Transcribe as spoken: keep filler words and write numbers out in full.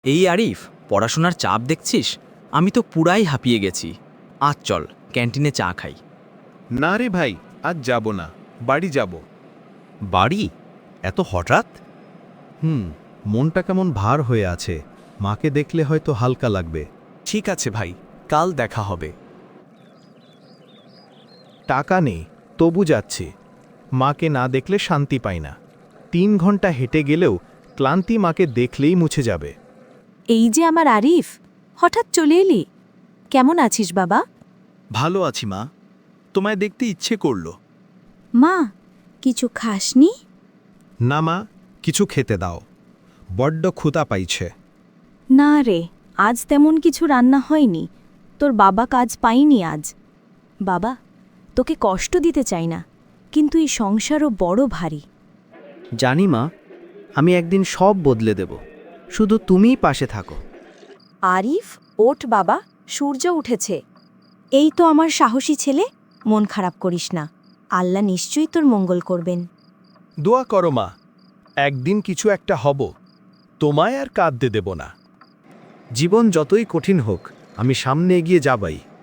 এই আরিফ, পড়াশোনার চাপ দেখছিস? আমি তো পুরাই হাঁপিয়ে গেছি। আজ চল ক্যান্টিনে চা খাই। না রে ভাই, আজ যাব না, বাড়ি যাব। বাড়ি? এত হঠাৎ? হুম মনটা কেমন ভার হয়ে আছে, মাকে দেখলে হয়তো হালকা লাগবে। ঠিক আছে ভাই, কাল দেখা হবে। টাকা নেই, তবু যাচ্ছি। মাকে না দেখলে শান্তি পাই না। তিন ঘন্টা হেঁটে গেলেও ক্লান্তি মাকে দেখলেই মুছে যাবে। এই যে আমার আরিফ, হঠাৎ চলে এলি। কেমন আছিস বাবা? ভালো আছি মা, তোমায় দেখতে ইচ্ছে করলো। মা, কিছু খাসনি? না মা, কিছু খেতে দাও, বড্ড ক্ষুধা পাইছে। না রে, আজ তেমন কিছু রান্না হয়নি। তোর বাবা কাজ পাইনি আজ। বাবা, তোকে কষ্ট দিতে চাই না, কিন্তু এই সংসারও বড় ভারী। জানি মা, আমি একদিন সব বদলে দেব, শুধু তুমিই পাশে থাকো। আরিফ, ওঠ বাবা, সূর্য উঠেছে। এই তো আমার সাহসী ছেলে, মন খারাপ করিস না। আল্লাহ নিশ্চয়ই তোর মঙ্গল করবেন। দোয়া করো মা, একদিন কিছু একটা হব, তোমায় আর কাঁদতে দেব না। জীবন যতই কঠিন হোক, আমি সামনে এগিয়ে যাবাই।